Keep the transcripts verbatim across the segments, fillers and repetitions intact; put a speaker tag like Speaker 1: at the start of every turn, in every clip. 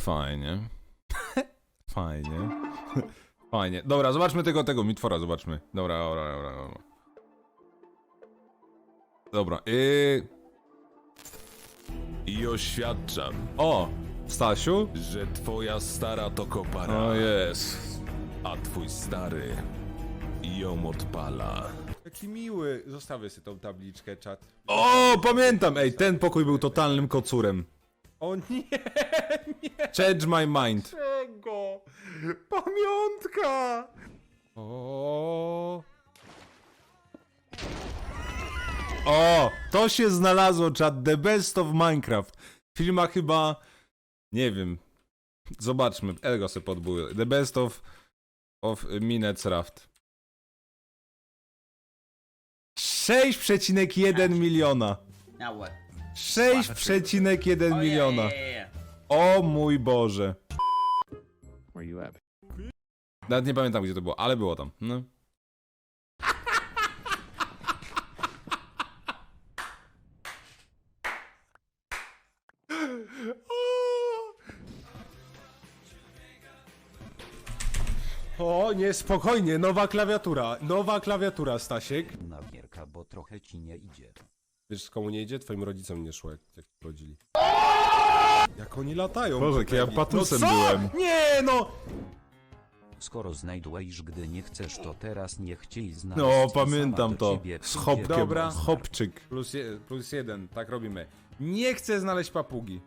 Speaker 1: Fajnie. Fajnie. Fajnie. Dobra, zobaczmy tego, tego mitwora, zobaczmy. Dobra, dobra, dobra, dobra. Dobra, yy...
Speaker 2: I oświadczam,
Speaker 1: O! Stasiu?
Speaker 2: że twoja stara to kopara,
Speaker 1: O jest.
Speaker 2: a twój stary ją odpala.
Speaker 1: Jaki miły. Zostawię sobie tą tabliczkę, czat. O, pamiętam! Ej, ten pokój był totalnym kocurem. O nie, nie! Change my mind. Czego? Pamiątka! O. O, to się znalazło, czat. The best of Minecraft. Filma chyba... Nie wiem. Zobaczmy. Ego se podbuję. The best of... of Minecraft. sześć przecinek jeden miliona.
Speaker 3: Now what?
Speaker 1: sześć przecinek jeden
Speaker 3: Oh, yeah,
Speaker 1: miliona.
Speaker 3: yeah, yeah, yeah.
Speaker 1: O mój Boże.
Speaker 4: Where you at?
Speaker 1: Nawet nie pamiętam, gdzie to było, ale było tam. No. O, nie, spokojnie, nowa klawiatura, nowa klawiatura, Stasiek.
Speaker 5: Na gierka, bo trochę ci nie idzie.
Speaker 6: Wiesz, komu nie idzie? Twoim rodzicom nie szło, jak, jak rodzili. Jak oni latają.
Speaker 1: Boże,
Speaker 6: po
Speaker 1: jak ja
Speaker 6: tebi.
Speaker 1: patusem
Speaker 6: no co?
Speaker 1: byłem.
Speaker 6: Nie, no!
Speaker 5: Skoro znajdujesz, gdy nie chcesz, to teraz nie chciej znaleźć.
Speaker 1: No,
Speaker 5: i sama
Speaker 1: pamiętam
Speaker 5: do
Speaker 1: to.
Speaker 5: ciebie
Speaker 1: Z
Speaker 5: przyjdzie
Speaker 1: hopkiem.
Speaker 6: Dobra.
Speaker 1: Hopczyk.
Speaker 6: Plus, je, plus jeden, tak robimy. Nie chcę znaleźć papugi.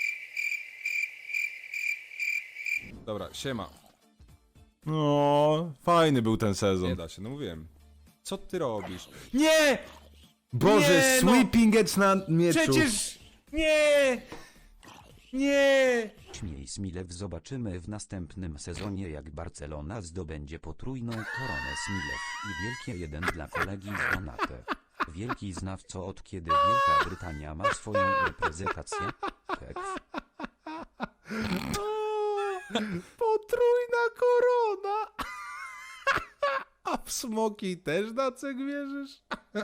Speaker 6: Dobra, siema.
Speaker 1: No, fajny był ten
Speaker 6: Nie
Speaker 1: sezon.
Speaker 6: da się, no mówiłem. Co ty robisz?
Speaker 1: Nie! Boże,
Speaker 6: Nie, no!
Speaker 1: sweeping it na mieczu.
Speaker 6: Przecież... Nie! Nie!
Speaker 5: Śmiej Smilew, zobaczymy w następnym sezonie, jak Barcelona zdobędzie potrójną koronę Smilew i wielkie jeden dla kolegi z Donate. Wielki znawco, od kiedy Wielka Brytania ma swoją reprezentację. Hekw.
Speaker 6: Potrójna korona! A w smoki też na ceg wierzysz?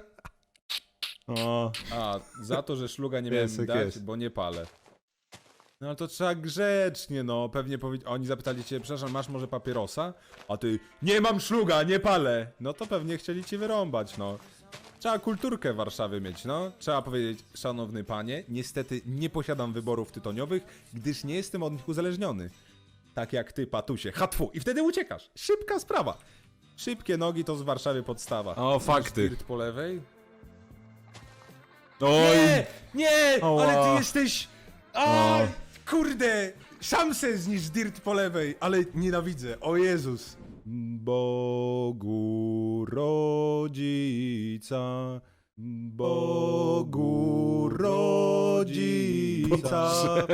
Speaker 1: O,
Speaker 6: A, za to, że szluga nie miałem
Speaker 1: Piesek
Speaker 6: dać,
Speaker 1: jest.
Speaker 6: bo nie palę. No ale to trzeba grzecznie, no. Pewnie powie... Oni zapytali cię, przepraszam, masz może papierosa? A ty, nie mam szluga, nie palę! No to pewnie chcieli ci wyrąbać, no. Trzeba kulturkę w Warszawie mieć, no. Trzeba powiedzieć, szanowny panie, niestety nie posiadam wyborów tytoniowych, gdyż nie jestem od nich uzależniony. Tak jak ty, patusie. Hatfu! I wtedy uciekasz. Szybka sprawa. Szybkie nogi to z Warszawy podstawa.
Speaker 1: O, fakty.
Speaker 6: Dirt po lewej.
Speaker 1: Oj,
Speaker 6: Nie! Nie!
Speaker 1: Oła.
Speaker 6: Ale ty jesteś... A, kurde! Szamse zniż dirt po lewej, ale nienawidzę. O Jezus. Bogu rodzica, Bogu rodzica,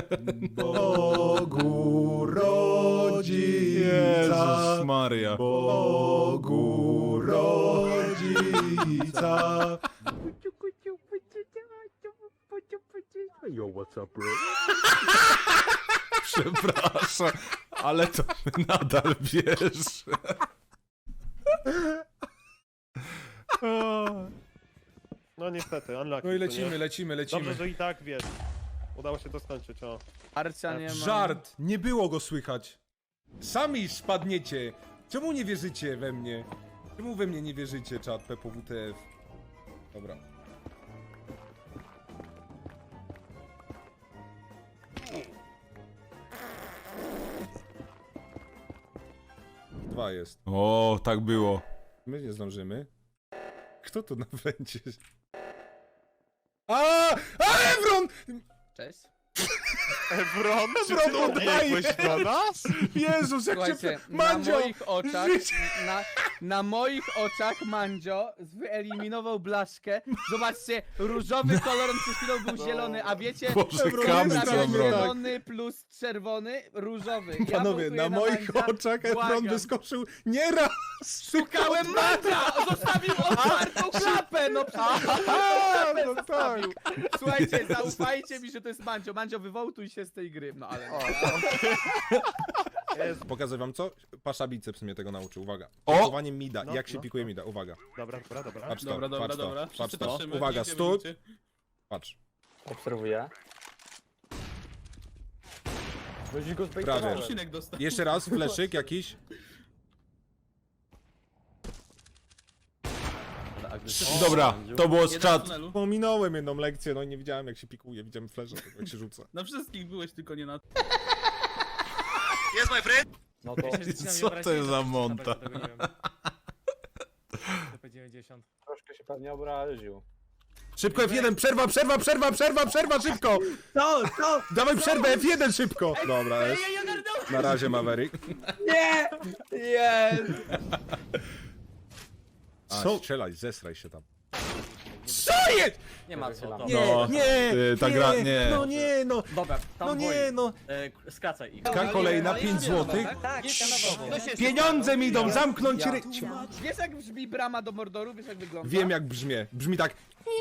Speaker 6: Bogu rodzica,
Speaker 1: Jezus Maria.
Speaker 6: Bogu rodzica.
Speaker 4: Yo, what's up, bro?
Speaker 1: Przepraszam, ale to mnie nadal bierze.
Speaker 4: No niestety, unlucky.
Speaker 6: No i
Speaker 4: co
Speaker 6: lecimy,
Speaker 4: nie?
Speaker 6: lecimy, lecimy.
Speaker 4: Dobrze, że i tak wiesz. Udało się to skończyć, o.
Speaker 3: Arcia nie ma.
Speaker 6: Żart! Nie było go słychać. Sami spadniecie. Czemu nie wierzycie we mnie? Czemu we mnie nie wierzycie, czat P P W T F? Dobra. Dwa jest.
Speaker 1: O, tak było.
Speaker 6: My nie zdążymy. Kto tu na wręcie? A! A, Evron!
Speaker 3: Cześć.
Speaker 4: Ebron, czy
Speaker 6: Ebron,
Speaker 4: ty
Speaker 6: oddaję!
Speaker 4: odbiegłeś do nas?
Speaker 6: Jezus, jak
Speaker 3: Słuchajcie,
Speaker 6: się...
Speaker 3: na
Speaker 6: Mandzio!
Speaker 3: moich oczach,
Speaker 6: Życie!
Speaker 3: na, na moich oczach Mandzio wyeliminował blaszkę. Zobaczcie, różowy kolor on przed chwilą był zielony, a wiecie,
Speaker 1: Boże,
Speaker 3: Ebron
Speaker 1: kamy
Speaker 3: jest
Speaker 1: co
Speaker 3: prawie
Speaker 1: wrog.
Speaker 3: zielony plus czerwony, różowy. Ja
Speaker 6: Panowie,
Speaker 3: wotuję
Speaker 6: na moich
Speaker 3: Mandzia.
Speaker 6: oczach Evron
Speaker 3: Błagam.
Speaker 6: wyskoczył nie raz!
Speaker 3: Szukałem Mandzia! Zostawił otwartą klapę! No przecież klapę
Speaker 6: no tak.
Speaker 3: zostawił. Słuchajcie, zaufajcie mi, że to jest Mandzio. Mandzio, wywołtuj się z tej gry. No ale...
Speaker 6: Pokażę wam co? Pasza biceps mnie tego nauczył, uwaga.
Speaker 1: O!
Speaker 6: Pikowanie mida,
Speaker 4: No,
Speaker 6: jak się
Speaker 4: no,
Speaker 6: pikuje
Speaker 4: no.
Speaker 6: mida, uwaga.
Speaker 4: Dobra, dobra, dobra.
Speaker 6: Patrz to,
Speaker 7: Dobra, dobra,
Speaker 6: patrz
Speaker 7: dobra.
Speaker 6: to, patrz
Speaker 7: Wszyscy
Speaker 6: to.
Speaker 7: patrzymy,
Speaker 6: Uwaga,
Speaker 7: widzicie,
Speaker 6: stój!
Speaker 7: widzicie.
Speaker 6: Patrz.
Speaker 8: Obserwuję.
Speaker 4: Będzie go
Speaker 6: Prawie.
Speaker 4: zbejtowałem.
Speaker 3: Odcinek dostał.
Speaker 6: Jeszcze raz, fleszyk jakiś. Dobra, to było z
Speaker 3: Jeden
Speaker 6: czat.
Speaker 3: w tunelu.
Speaker 6: Pominąłem jedną lekcję, no i nie widziałem jak się pikuje, widziałem flesze, tylko jak się rzuca.
Speaker 3: Na wszystkich byłeś, tylko nie na...
Speaker 4: No to
Speaker 1: Co to jest za monta?
Speaker 4: dziewięćdziesiąt. Troszkę się pewnie obraził.
Speaker 6: Szybko F jeden, przerwa, przerwa, przerwa, przerwa, przerwa, szybko!
Speaker 3: Co? Co?
Speaker 6: Dawaj przerwę, F jeden szybko! Dobra, jest. Na razie Maverick.
Speaker 3: Nie! Jest!
Speaker 6: A,
Speaker 1: Co?
Speaker 6: strzelaj, zesraj się tam. Co jest?
Speaker 7: Nie ma co, to.
Speaker 6: Nie,
Speaker 1: No,
Speaker 6: nie,
Speaker 1: ty, ta
Speaker 6: nie,
Speaker 1: gra- nie.
Speaker 6: no nie, no,
Speaker 7: Dobra, tam
Speaker 6: no
Speaker 7: boi.
Speaker 6: nie, no.
Speaker 7: E, k- skracaj ich.
Speaker 6: Ka kolejna pięć złotych.
Speaker 7: Tak,
Speaker 6: Pieniądze mi idą, zamknąć ry...
Speaker 3: Wiesz jak brzmi brama do Mordoru? Wiesz jak wygląda?
Speaker 6: Wiem jak brzmi. Brzmi tak.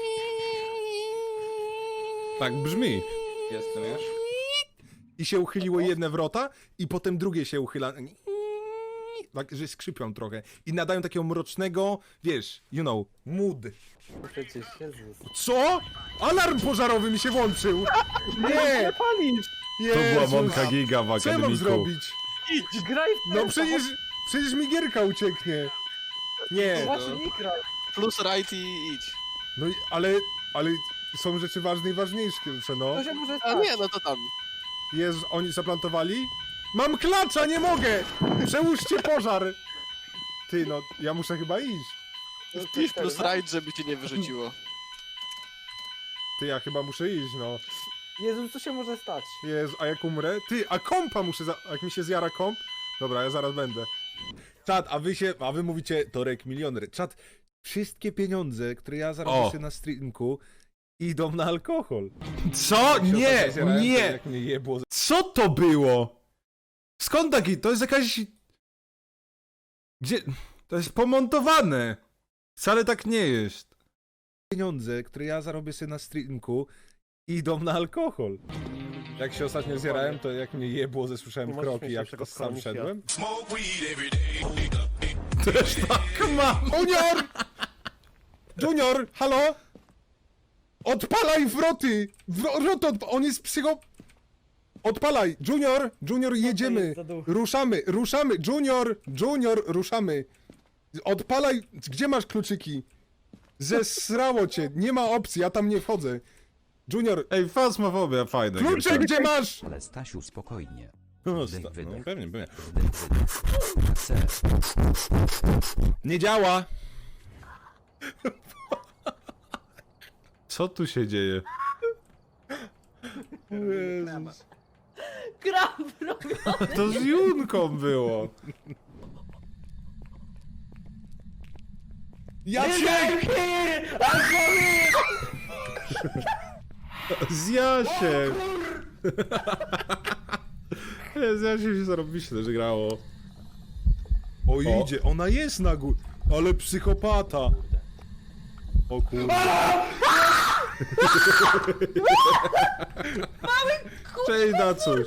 Speaker 1: Tak brzmi. Jestem już.
Speaker 6: I się uchyliło jedne wrota, i potem drugie się uchyla. Tak, że skrzypią trochę. I nadają takiego mrocznego, wiesz, you know, mood.
Speaker 4: Przecież Jezus.
Speaker 6: Co? Alarm pożarowy mi się włączył! Nie!
Speaker 4: Palisz!
Speaker 1: To była
Speaker 6: Jezus.
Speaker 1: Monka Giga w
Speaker 6: Co ja mam
Speaker 1: akademiku.
Speaker 6: zrobić?
Speaker 4: Idź, graj w
Speaker 6: No przecież, przecież mi gierka ucieknie. Nie,
Speaker 4: Właśnie nie graj.
Speaker 8: Plus right i idź.
Speaker 6: no i, ale, ale są rzeczy ważne i ważniejsze, no.
Speaker 4: To się może
Speaker 8: A
Speaker 4: stać.
Speaker 8: nie, no to tam.
Speaker 6: Jezu, oni zaplantowali? Mam klacza, nie mogę! Przełóżcie pożar! Ty, no, ja muszę chyba iść.
Speaker 8: Idź plus right, żeby cię nie wyrzuciło.
Speaker 6: Ty, ja chyba muszę iść, no.
Speaker 4: Jezus, co się może stać?
Speaker 6: Jezu, a jak umrę? Ty, a kompa muszę, za... jak mi się zjara komp? Dobra, ja zaraz będę. Czad, a wy się, a wy mówicie Torek milioner. Czad, wszystkie pieniądze, które ja zarobię
Speaker 1: O.
Speaker 6: sobie na streamku, idą na alkohol.
Speaker 1: Co?
Speaker 6: Jak się
Speaker 1: Nie,
Speaker 6: ostatnio zjarałem, to
Speaker 1: nie!
Speaker 6: Jak mnie jebło. z-
Speaker 1: Co to było? Skąd taki? To jest jakaś... Gdzie... To jest pomontowane. Wcale tak nie jest.
Speaker 6: Pieniądze, które ja zarobię sobie na streamku, idą na alkohol. Jak się ostatnio zjarałem, to jak mnie jebło, zasłyszałem
Speaker 4: Nie możesz
Speaker 6: kroki,
Speaker 4: mieć
Speaker 6: jak
Speaker 4: lepszego
Speaker 6: sam
Speaker 4: stanu niż ja.
Speaker 6: szedłem.
Speaker 1: Też tak mam.
Speaker 6: Junior! Junior, halo? Odpalaj wroty! Wroty, odpa- on jest psycho... Odpalaj! Junior! Junior, jedziemy! Ruszamy, ruszamy! Junior! Junior, ruszamy! Odpalaj! Gdzie masz kluczyki? Zesrało cię, nie ma opcji, ja tam nie wchodzę. Junior,
Speaker 1: Ej, fasmofobia, fajne.
Speaker 6: klucze gdzie masz?
Speaker 5: Ale Stasiu spokojnie.
Speaker 1: No,
Speaker 5: Wdech,
Speaker 1: sta-
Speaker 5: wydech.
Speaker 1: no, pewnie, pewnie.
Speaker 5: Wdech, wydech. C.
Speaker 6: Nie działa.
Speaker 1: Co tu się dzieje?
Speaker 6: Jezus.
Speaker 9: Gram robię.
Speaker 1: To z Junką było.
Speaker 6: Ja cię...
Speaker 1: Z Jasiem. Z Jasiem się zarobiście też grało.
Speaker 6: O, idzie, ona jest na górze. Ale psychopata. O kurde.
Speaker 1: Cześć, Dacuś.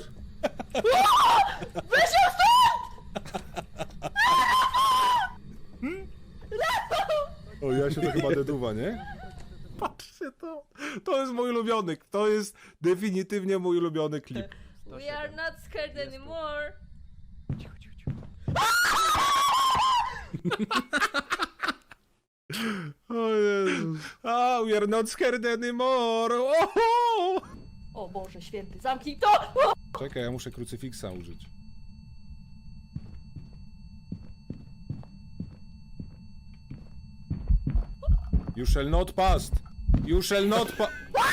Speaker 6: O, ja się to chyba deduwa, nie?
Speaker 1: Patrzcie to. To jest mój ulubiony. To jest definitywnie mój ulubiony klip.
Speaker 9: We are not scared anymore.
Speaker 1: O Jezus. Ah, we are not scared anymore. Oho!
Speaker 9: O Boże święty, zamknij to!
Speaker 6: Czekaj, ja muszę krucyfiksa użyć. You shall not pass. You shall not pa...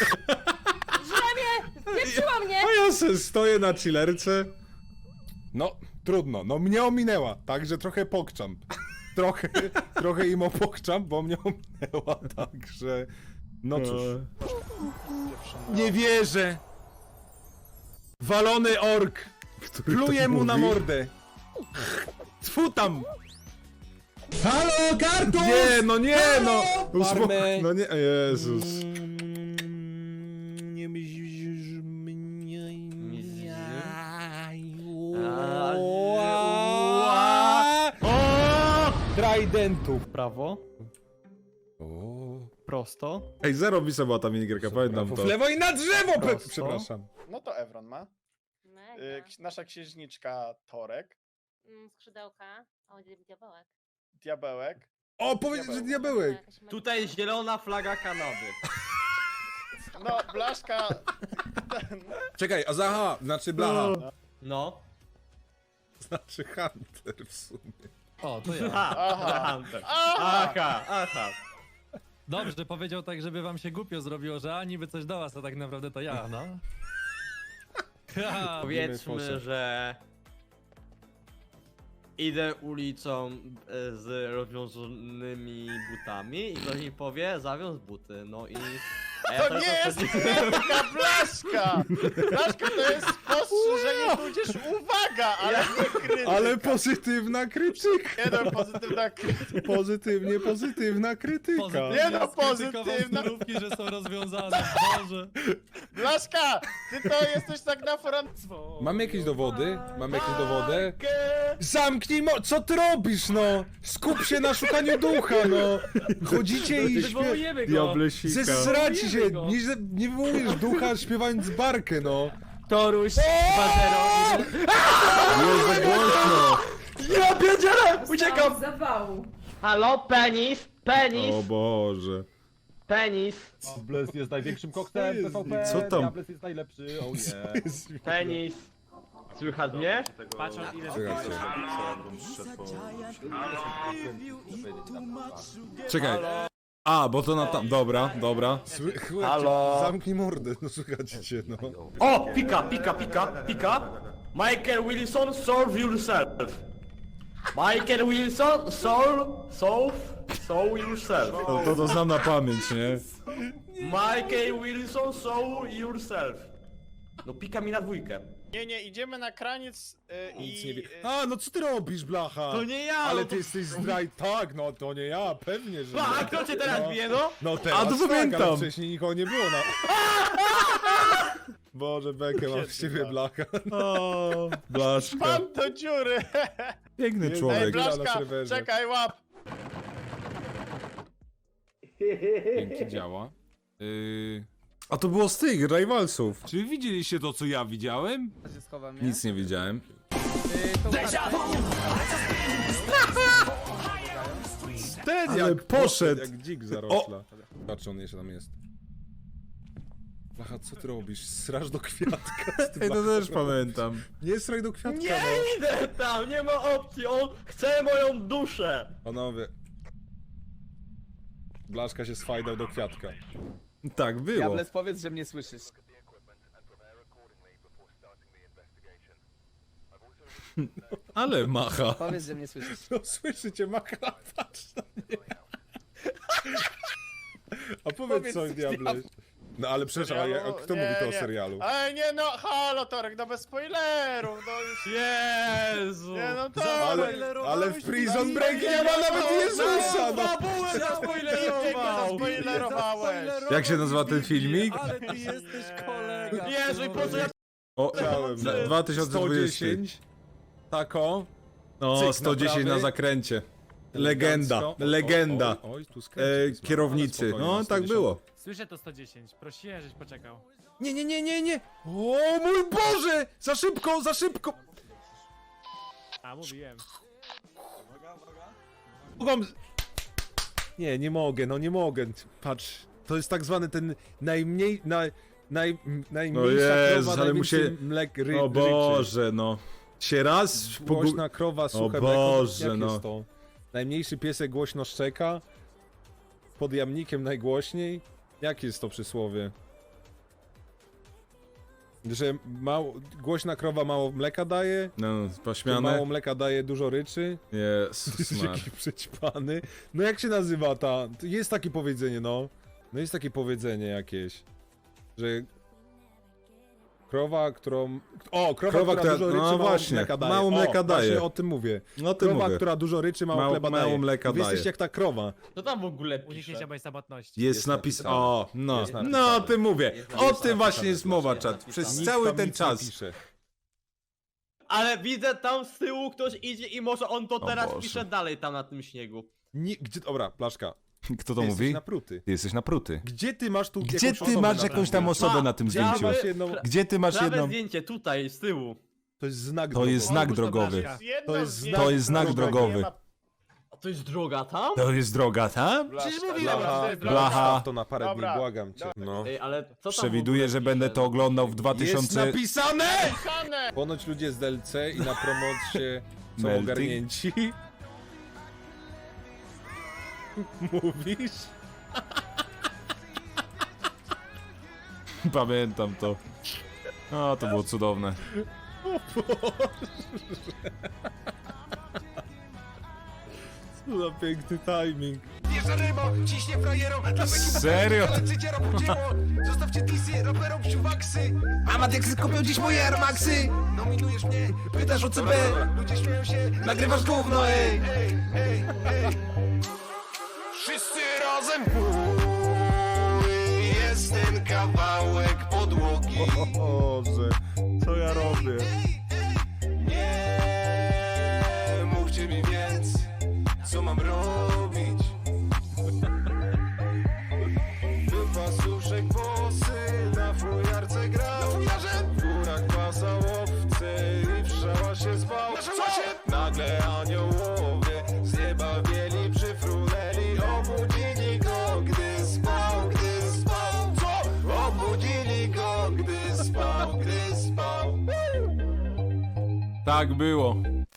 Speaker 9: Wieprzyła mnie!
Speaker 1: A ja se stoję na chillerce.
Speaker 6: No, trudno, no mnie ominęła, także trochę pokczam. Trochę, trochę im opokczam, bo mnie ominęła, także... No cóż. Nie wierzę! Walony ork!
Speaker 1: Który
Speaker 6: Pluję
Speaker 1: to
Speaker 6: mu na
Speaker 1: mówi?
Speaker 6: mordę! Tfu tam! Halo, karton!
Speaker 1: Nie, no nie, no! Uspok-
Speaker 6: Farmy.
Speaker 1: No nie, Jezus.
Speaker 6: Nie myślisz mnie... Tridentu w prawo. Prosto.
Speaker 1: Ej, zero bisa była ta minigierka, pamiętam to.
Speaker 6: W lewo i na drzewo! pe-
Speaker 4: Prosto.
Speaker 6: Przepraszam.
Speaker 4: No to Evron ma.
Speaker 9: No
Speaker 10: y, ks- nasza księżniczka Torek,
Speaker 9: Mm, Skrzydełka. O, diabełek.
Speaker 10: Diabełek.
Speaker 6: O, powiedz, że diabełek!
Speaker 7: Tutaj zielona flaga Kanady.
Speaker 10: No, Blaszka...
Speaker 6: Czekaj, a Zaha, znaczy Blaha.
Speaker 7: No.
Speaker 6: Znaczy Hunter w sumie.
Speaker 11: O, to ja.
Speaker 10: Aha.
Speaker 7: Hunter.
Speaker 10: Aha!
Speaker 7: Aha, aha.
Speaker 11: Dobrze, powiedział tak, żeby wam się głupio zrobiło, że a niby coś do was, a tak naprawdę to ja, no. Ha,
Speaker 7: Powiedzmy, że idę ulicą e, z rozwiązanymi butami i ktoś mi powie, zawiąz buty, no i... a ja
Speaker 10: To
Speaker 7: tak
Speaker 10: nie jest
Speaker 7: odpowiedziałem-
Speaker 10: krytyka, Blaszka! Blaszka to jest spostrzeżenie, tudzież uwaga, ale nie krytyka.
Speaker 6: Ale pozytywna krytyka!
Speaker 10: Nie no, pozytywna krytyka.
Speaker 6: Pozytywnie, pozytywna krytyka.
Speaker 11: pozytywnie
Speaker 10: Nie no,
Speaker 11: skrytykował
Speaker 10: pozytywna.
Speaker 11: snurówki, że są rozwiązane, Boże.
Speaker 10: Blaszka, ty to jesteś tak na front...
Speaker 6: Mamy jakieś dowody? Mamy jakieś dowody? Zamknij mo... Co ty robisz, no? Skup się na szukaniu ducha, no! Chodzicie i śpiewacie.
Speaker 7: Wywołujemy go!
Speaker 1: Diablesika.
Speaker 6: Zesraci się!
Speaker 7: go.
Speaker 6: Nie, nie wywołujesz ducha śpiewając barkę, no!
Speaker 7: Toruś dwa zero.
Speaker 1: Jest za głośno!
Speaker 7: Ja pierdzielę! Uciekam!
Speaker 9: Zawału.
Speaker 7: Halo, penis, penis,
Speaker 1: O Boże.
Speaker 7: penis,
Speaker 11: Bles jest największym koktem P V P,
Speaker 1: Co tam?
Speaker 11: Diables jest najlepszy, o nie.
Speaker 7: penis. Słychać mnie?
Speaker 1: Czekaj. A, bo to na tam. Dobra, dobra.
Speaker 7: Halo?
Speaker 6: Zamknij mordę, no słuchajcie cię, no.
Speaker 7: O! Pika, pika, pika, pika. Michael Wilson, solve yourself. Michael Wilson, solve, solve, solve yourself.
Speaker 1: To, to, to znam na pamięć, nie?
Speaker 7: Michael Wilson, solve yourself. No pika mi na dwójkę.
Speaker 10: Nie, nie, idziemy na kraniec y,
Speaker 6: Nic
Speaker 10: i...
Speaker 6: nie wie.
Speaker 10: y,
Speaker 6: A, no co ty robisz, blacha?
Speaker 7: To nie ja!
Speaker 6: Ale
Speaker 7: no
Speaker 6: ty
Speaker 7: to...
Speaker 6: jesteś zdraj... Tak, no to nie ja, pewnie, że
Speaker 7: A
Speaker 6: nie.
Speaker 7: kto cię teraz
Speaker 6: No.
Speaker 7: bije, no?
Speaker 6: No teraz
Speaker 1: A, to
Speaker 6: tak,
Speaker 1: pamiętam.
Speaker 6: ale wcześniej nikogo nie było na... Boże, bekę mam z ciebie, blacha.
Speaker 1: O, Blaszka.
Speaker 10: Pan do dziury!
Speaker 1: Piękny
Speaker 6: Ej,
Speaker 10: Ej,
Speaker 1: człowiek.
Speaker 6: Bla- na
Speaker 10: Blaszka,
Speaker 6: serwerze.
Speaker 10: czekaj, łap!
Speaker 1: Dzięki, działa. Yy... A to było z tych Rivalsów. Czy wy widzieliście to, co ja widziałem?
Speaker 3: Ja się schowam, nie?
Speaker 1: Nic nie widziałem.
Speaker 3: Y, to
Speaker 6: Ten
Speaker 1: Ale
Speaker 6: jak
Speaker 1: poszedł.
Speaker 6: Jak dzik zarośla. Patrz, on jeszcze tam jest. Blacha, co ty robisz? Srasz do kwiatka. Ty,
Speaker 1: Ej, to
Speaker 6: blacha,
Speaker 1: też pamiętam.
Speaker 6: Nie sraj do kwiatka,
Speaker 7: Nie
Speaker 6: no.
Speaker 7: idę tam, nie ma opcji, on chce moją duszę.
Speaker 6: Panowie. Blaszka się sfajdał do kwiatka.
Speaker 1: Tak było.
Speaker 3: Diables, powiedz, że mnie słyszysz.
Speaker 1: Ale macha.
Speaker 3: Powiedz, że mnie słyszysz.
Speaker 6: No słyszycie, makala, patrz na mnie. A powiedz
Speaker 10: Powiedz
Speaker 6: coś,
Speaker 10: coś,
Speaker 6: diable. No ale przepraszam, a ja- a kto
Speaker 10: Nie,
Speaker 6: mówi to o
Speaker 10: nie.
Speaker 6: serialu?
Speaker 10: Ej, nie no, halo Torek, no bez spoilerów, no już...
Speaker 7: Jezu.
Speaker 10: Nie no, to...
Speaker 6: Ale, ale w Prison Break nie ma nawet Jezusa, no!
Speaker 7: Babułę zaspoilerował.
Speaker 10: Spoilerowałeś!
Speaker 1: Jak się nazywa ten filmik?
Speaker 11: Ale ty jesteś kolega.
Speaker 7: Jezu, i po co ja...
Speaker 1: O,
Speaker 6: Chciałem.
Speaker 1: dwa tysiące dwudziesty.
Speaker 6: sto dziesięć. Tako.
Speaker 1: No,
Speaker 6: Cyk,
Speaker 1: sto dziesięć na
Speaker 6: naprawy.
Speaker 1: zakręcie. Legenda,
Speaker 6: Elegancko.
Speaker 1: legenda.
Speaker 6: Oj, oj, oj, tu skręcił,
Speaker 1: E,
Speaker 6: jest,
Speaker 1: kierownicy.
Speaker 6: ale spokojnie,
Speaker 1: No,
Speaker 6: na
Speaker 1: tak
Speaker 6: sto dziesięć.
Speaker 1: było.
Speaker 11: Słyszę to sto dziesięć, prosiłem, żeś poczekał.
Speaker 1: Nie, nie, nie, nie, nie. O mój Boże! Za szybko, za szybko!
Speaker 11: A, mówiłem.
Speaker 6: Mogą... Nie, nie mogę, no nie mogę. Patrz, to jest tak zwany ten najmniej... Naj, naj, najmniejsza
Speaker 1: Jezus,
Speaker 6: krowa,
Speaker 1: ale
Speaker 6: najwięcej
Speaker 1: musie-
Speaker 6: mlek ry,
Speaker 1: O
Speaker 6: ryczy.
Speaker 1: Boże, no. Się raz pogu...
Speaker 6: Głośna krowa, suche
Speaker 1: O
Speaker 6: mleko.
Speaker 1: Boże,
Speaker 6: Jak
Speaker 1: no.
Speaker 6: jest to? Najmniejszy piesek głośno szczeka. Pod jamnikiem najgłośniej. Jakie jest to przysłowie? Że mało, głośna krowa mało mleka daje,
Speaker 1: No,
Speaker 6: że mało
Speaker 1: pośmiane.
Speaker 6: mleka daje, dużo ryczy.
Speaker 1: Jezus,
Speaker 6: Jesteś
Speaker 1: Mar.
Speaker 6: jakiś przećpany. No jak się nazywa ta... Jest takie powiedzenie, no. No jest takie powiedzenie jakieś, że... Krowa, którą... O, krowa,
Speaker 1: Krowa,
Speaker 6: która,
Speaker 1: która-
Speaker 6: dużo
Speaker 1: no
Speaker 6: ryczy, mało
Speaker 1: właśnie,
Speaker 6: mleka daje.
Speaker 1: mało mleka
Speaker 6: o,
Speaker 1: daje.
Speaker 6: Właśnie o tym mówię.
Speaker 1: No ty
Speaker 6: Krowa,
Speaker 1: mówię.
Speaker 6: która dużo ryczy, mało,
Speaker 1: Mało-
Speaker 6: chleba
Speaker 1: mało
Speaker 6: daje.
Speaker 1: mleka
Speaker 6: Wy jesteście
Speaker 1: daje.
Speaker 6: jak ta krowa.
Speaker 7: To tam w ogóle
Speaker 11: Uniknięcia
Speaker 7: pisze.
Speaker 11: majestabatności.
Speaker 1: Jest
Speaker 6: Jest
Speaker 1: napis...
Speaker 6: napisane.
Speaker 1: O, no.
Speaker 6: Jest
Speaker 1: No,
Speaker 6: napisane.
Speaker 1: o tym mówię.
Speaker 7: Jest
Speaker 1: O
Speaker 7: napisane.
Speaker 1: tym właśnie jest mowa, czat. Przez
Speaker 6: Nic
Speaker 1: cały
Speaker 6: tam
Speaker 1: ten
Speaker 6: nic nie
Speaker 1: czas.
Speaker 6: pisze.
Speaker 7: Ale widzę tam z tyłu ktoś idzie i może on to
Speaker 1: O
Speaker 7: teraz
Speaker 1: Boże.
Speaker 7: pisze dalej tam na tym śniegu.
Speaker 6: Nie, gdzie, dobra, Blaszka.
Speaker 1: Kto to
Speaker 6: Ty
Speaker 1: mówi?
Speaker 6: jesteś napruty.
Speaker 1: Ty jesteś napruty.
Speaker 6: Gdzie ty masz tu
Speaker 1: Gdzie
Speaker 6: jakąś
Speaker 1: ty
Speaker 6: osobę
Speaker 1: masz
Speaker 6: na
Speaker 1: jakąś
Speaker 6: tym
Speaker 1: tam
Speaker 6: zdjęciu?
Speaker 1: osobę na tym
Speaker 7: Gdzie
Speaker 1: zdjęciu?
Speaker 7: masz
Speaker 6: jedną-
Speaker 1: Gdzie ty masz
Speaker 7: Prawe
Speaker 1: jedną...
Speaker 7: zdjęcie, tutaj, z tyłu.
Speaker 6: To jest znak
Speaker 1: To jest
Speaker 6: drogowy.
Speaker 1: znak drogowy.
Speaker 10: Jedno
Speaker 6: To jest
Speaker 10: zdjęcie,
Speaker 6: znak-
Speaker 1: to jest znak
Speaker 10: drugie
Speaker 1: drogowy.
Speaker 10: nie ma-
Speaker 7: A to jest droga tam?
Speaker 1: To jest droga, tak?
Speaker 10: Przecież
Speaker 6: Blacha,
Speaker 1: Blacha.
Speaker 6: Blacha. To na parę dni,
Speaker 10: Dobra.
Speaker 6: błagam cię. No.
Speaker 7: Ej, ale co tam w
Speaker 1: Przewiduję,
Speaker 7: ogóle
Speaker 1: że
Speaker 7: pisze?
Speaker 1: będę to oglądał w
Speaker 6: Jest
Speaker 1: dwa tysiące...
Speaker 6: napisane!
Speaker 10: Hane!
Speaker 6: Ponoć ludzie z D L C i na promocie są
Speaker 1: Melting?
Speaker 6: ogarnięci. Mówisz?
Speaker 1: Pamiętam to. O, to było cudowne.
Speaker 6: Co za piękny timing.
Speaker 1: Serio?
Speaker 12: Zostawcie tisy, raperom psiuwaksy. Amadeksy kupią dziś moje Air Maxy. Nominujesz mnie, pytasz o C B. Ludzie śmieją się, nagrywasz gówno, ej. Ej, ej, ej. Wszyscy razem pój, jest ten kawałek podłogi.
Speaker 6: Boże, co ja robię?
Speaker 12: Nie mówcie mi więc, co mam robić. Wypasuszek włosy, na fujarce grał. W górach pasał owce i w szałasie spał. Nagle aniołowie z nieba bieli przyfrunęli. Obudzili go, gdy spał, gdy spał. Co? Obudzili go, gdy spał, gdy spał.
Speaker 1: Tak było.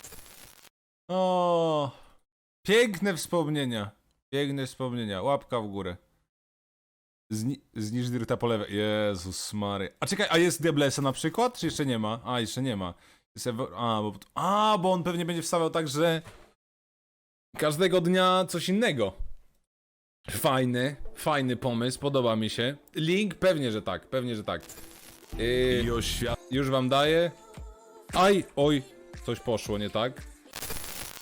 Speaker 1: O, piękne wspomnienia. Piękne wspomnienia. Łapka w górę. Zni zniż Dirta po lewej. Jezus Mary. A czekaj, a jest Diablesa na przykład? Czy jeszcze nie ma? A, jeszcze nie ma. Jest Ewo- a, bo, a, bo on pewnie będzie wstawiał tak, że każdego dnia coś innego. Fajny, fajny pomysł, podoba mi się. Link? Pewnie, że tak, pewnie, że tak. Yy,
Speaker 2: I oświat...
Speaker 1: już wam daję. Aj, oj, coś poszło nie tak.